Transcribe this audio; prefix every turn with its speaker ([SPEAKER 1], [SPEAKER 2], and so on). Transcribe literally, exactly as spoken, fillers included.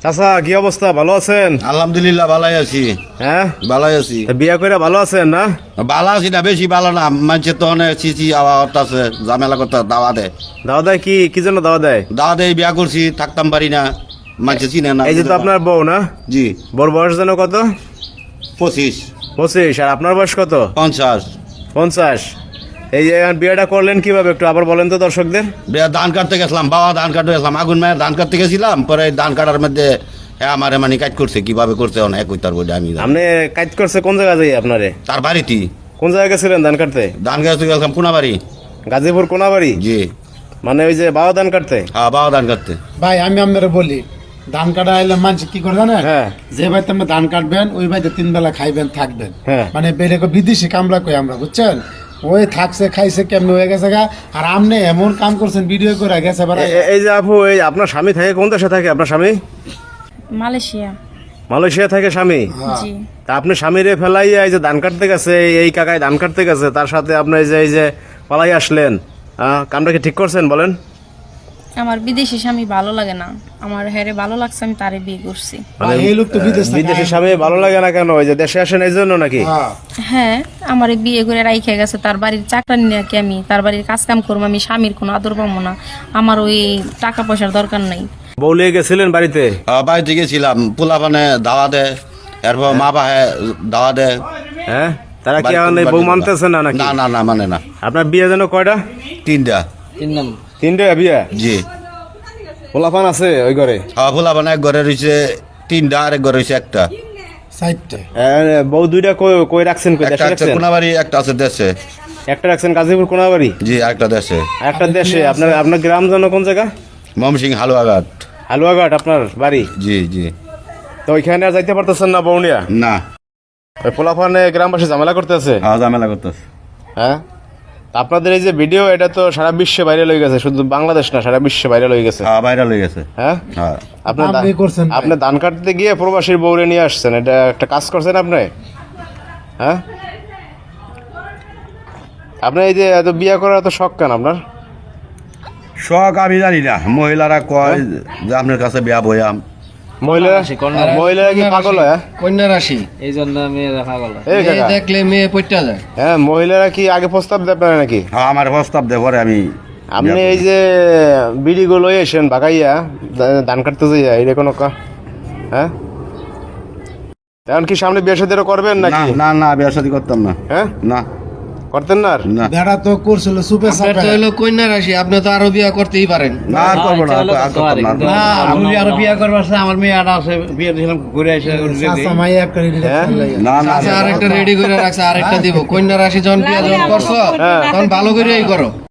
[SPEAKER 1] চাচা কি অবস্থা, ভালো আছেন?
[SPEAKER 2] আলহামদুলিল্লাহ ভালাই আছি।
[SPEAKER 1] হ্যাঁ
[SPEAKER 2] ভালাই আছি।
[SPEAKER 1] বিয়া করে ভালো আছেন না?
[SPEAKER 2] ভালো আছি না, বেশি ভালো না। মানুষের তো অনেক চিচি আওয়াজ আছে, ঝামেলা করতে দাওয়া দেয়।
[SPEAKER 1] দাওয়া দেয় কি কি জন্য দাওয়া দেয়?
[SPEAKER 2] দাওয়া দেয়, বিয়া করছি, থাকতাম পারি না, মানুষের চিনে না।
[SPEAKER 1] এই যে তো আপনার বউ না?
[SPEAKER 2] জি।
[SPEAKER 1] বউর বয়স যেন কত?
[SPEAKER 2] পঁচিশ।
[SPEAKER 1] পঁচিশ। আর আপনার বয়স কত?
[SPEAKER 2] পঞ্চাশ।
[SPEAKER 1] পঞ্চাশ। এই যে এখন বিয়েটা করলেন কিভাবে, একটু আবার বলেন তো দর্শকদের।
[SPEAKER 2] বিয়া ধান কাটতে গেছিলাম, বাবা ধান কাটতে গেছিলাম, আগুন মায়ের ধান কাটতে গেছিলাম। পরে ধান কাটার মধ্যে হ্যাঁ আমার মানে কাজ করছে, কিভাবে করছে অনেক ওই তার বই আমি জানি।
[SPEAKER 1] আপনি কাজ করছে কোন জায়গা যাই আপনারে?
[SPEAKER 2] তার বাড়িতে।
[SPEAKER 1] কোন জায়গায় গেছিলেন ধান কাটতে?
[SPEAKER 2] ধান কাটতে গেছিলাম কোনাবাড়ি।
[SPEAKER 1] গাজীপুর কোনাবাড়ি?
[SPEAKER 2] জি।
[SPEAKER 1] মানে ওই যে বাবা ধান কাটতে?
[SPEAKER 2] হ্যাঁ, বাবা ধান কাটতে।
[SPEAKER 3] ভাই আমি আপনারা বলি, ধান কাটা এলে মানুষ কি করে জানেন?
[SPEAKER 1] হ্যাঁ।
[SPEAKER 3] যে বাড়িতে আপনি ধান কাটবেন ওই বাড়িতে তিন বেলা খাইবেন থাকবেন।
[SPEAKER 1] হ্যাঁ।
[SPEAKER 3] মানে বেড়ে বিদেশি কামলা কই আমরা, বুঝছেন? ওই থাকছে খাইছে কেমন হয়ে গেছে গা। আর আপনি এমন কাম করছেন, ভিডিও করে গেছে এবার।
[SPEAKER 1] এ- এ- এই যে আপু, এই আপনার স্বামী থাকে কোন দেশে থাকে আপনার স্বামী?
[SPEAKER 4] মালয়েশিয়া।
[SPEAKER 1] মালয়েশিয়া থাকে স্বামী?
[SPEAKER 4] জি।
[SPEAKER 1] তা আপনি স্বামীরে ফেলাইয়া এই যে ধান কাটতে গেছে, এই কাকায় ধান কাটতে গেছে, তার সাথে আপনি এই যে এই যে পালাই আসলেন, আহ, কামটা কি ঠিক করছেন বলেন?
[SPEAKER 4] আমার বিদেশি স্বামী ভালো লাগে না, আমার হেরে ভালো লাগছে, আমি তারে বিয়ে করছি।
[SPEAKER 3] ভাই, এই লোক তো বিদেশ থেকে
[SPEAKER 1] বিদেশি স্বামী ভালো লাগে না কেন? ওই যে দেশে আসেন এই জন্য নাকি?
[SPEAKER 3] হ্যাঁ।
[SPEAKER 4] হ্যাঁ, আমার বিয়ে করে রাইখে গেছে, তার বাড়ির চাকরানি নাকি আমি, তার বাড়ির কাজ কাম করবো, আমি স্বামীর কোনো আদর পাবো না, আমার ওই টাকা পয়সার দরকার নাই।
[SPEAKER 1] বউ লিয়ে গেছিলেন বাড়িতে?
[SPEAKER 2] হ্যাঁ, বাড়িতে গেছিলাম, পোলা পানে দাওয়া দেয়, এরপর মা বাহে দাওয়া দেয়।
[SPEAKER 1] হ্যাঁ, তারা কি এখন এই বউ মানতেছে না নাকি?
[SPEAKER 2] না না না মানে না।
[SPEAKER 1] আপনার বিয়ে যেন কয়টা?
[SPEAKER 2] তিনটা।
[SPEAKER 1] তিনটা বিয়ে?
[SPEAKER 2] জি।
[SPEAKER 1] পোলাপান আছে ওই ঘরে?
[SPEAKER 2] হ্যাঁ, পোলা পানে এক ঘরে রয়েছে তিনটা, আর এক ঘরে রয়েছে একটা।
[SPEAKER 3] সাইডটা
[SPEAKER 1] এ, বউ দুইটা কই কই রাখছেন, কই
[SPEAKER 2] একটা
[SPEAKER 1] দেশে
[SPEAKER 2] আছে
[SPEAKER 1] রাখছেন?
[SPEAKER 2] কোনাবাড়ি, একটা আছে দেশে।
[SPEAKER 1] একটা রাখছেন গাজীপুর কোনাবাড়ি,
[SPEAKER 2] জি, আরেকটা দেশে।
[SPEAKER 1] আর একটা দেশে। আপনার আপনার গ্রাম যেন কোন জায়গা?
[SPEAKER 2] মমসিং হালুয়াঘাট।
[SPEAKER 1] হালুয়াঘাট আপনার বাড়ি?
[SPEAKER 2] জি জি।
[SPEAKER 1] তো ওইখানে আর যাইতে পারতেছেন না বউ নিয়া?
[SPEAKER 2] না।
[SPEAKER 1] ওই পোলাপানে গ্রামবাসী ঝামেলা করতেছে?
[SPEAKER 2] হ্যাঁ, ঝামেলা করতেছে।
[SPEAKER 1] হ্যাঁ, তা আপনাদের এই যে ভিডিও, এটা তো সারা বিশ্বে ভাইরাল হয়ে গেছে, শুধু বাংলাদেশ না, সারা বিশ্বে ভাইরাল হয়ে গেছে।
[SPEAKER 2] হ্যাঁ, ভাইরাল হয়ে গেছে।
[SPEAKER 1] হ্যাঁ,
[SPEAKER 2] হ্যাঁ।
[SPEAKER 1] আপনার দা-
[SPEAKER 3] আপনি করছেন ভাই।
[SPEAKER 1] আপনি ধান কাটতে গিয়ে প্রবাসীর বউরে নিয়ে আসছেন, এটা একটা কাজ করছেন আপনি? হ্যাঁ, আপনার এই যে এত বিয়ে করার এত শখ কেন আপনার?
[SPEAKER 2] শখ আমি জানি না, মহিলারা কয় যে আপনার কাছে বিয়া বয়াম।
[SPEAKER 1] মহিলারা মহিলারা কি পাগল হয়? হ্যাঁ?
[SPEAKER 5] কন্যা রাশি,
[SPEAKER 6] এই জন্য মেয়েরা পাগল হয়।
[SPEAKER 1] এই
[SPEAKER 5] মেয়ে
[SPEAKER 1] কাকা,
[SPEAKER 5] দেখলে মেয়ে পইটা যায়।
[SPEAKER 1] হ্যাঁ, মহিলারা কি আগে প্রস্তাব দেয় আপনারা নাকি?
[SPEAKER 2] হ্যাঁ, আমার প্রস্তাব দেয়, পরে আমি
[SPEAKER 1] আপনি এই যে বিড়িগুলো এসেন বাগাইয়া দা- ধান কাটতে যাইয়া, এটা কোনো কা- হ্যাঁ, এখন কি সামনে বিয়ে শাদী করবেন
[SPEAKER 2] না
[SPEAKER 1] নাকি?
[SPEAKER 2] না না, বিয়া শাদী করতাম না।
[SPEAKER 1] হ্যাঁ,
[SPEAKER 2] না
[SPEAKER 1] করতেন না আর?
[SPEAKER 2] না
[SPEAKER 3] বেড়া তো করছিল সুপে
[SPEAKER 5] আপনার তো
[SPEAKER 3] সাপে।
[SPEAKER 5] হইলো কন্যা রাশি, আপনি তো আরো বিয়া করতেই পারেন।
[SPEAKER 2] না, আর করবো না, আর আর করতাম না।
[SPEAKER 6] না,
[SPEAKER 5] আপনি আরো বিয়া করবার আছে, আমার মেয়ে আটা আছে, বিয়ে দিয়েছিলাম ঘুরে আসে।
[SPEAKER 3] চাচা মাই একটা রেডি
[SPEAKER 1] হ্যাঁ?
[SPEAKER 2] না না
[SPEAKER 5] আচ্ছা, আরেকটা রেডি করে রাখছে, আরেকটা দিব। কন্যা রাশি যখন বিয়া যখন করছো, তখন ভালো করেই করো।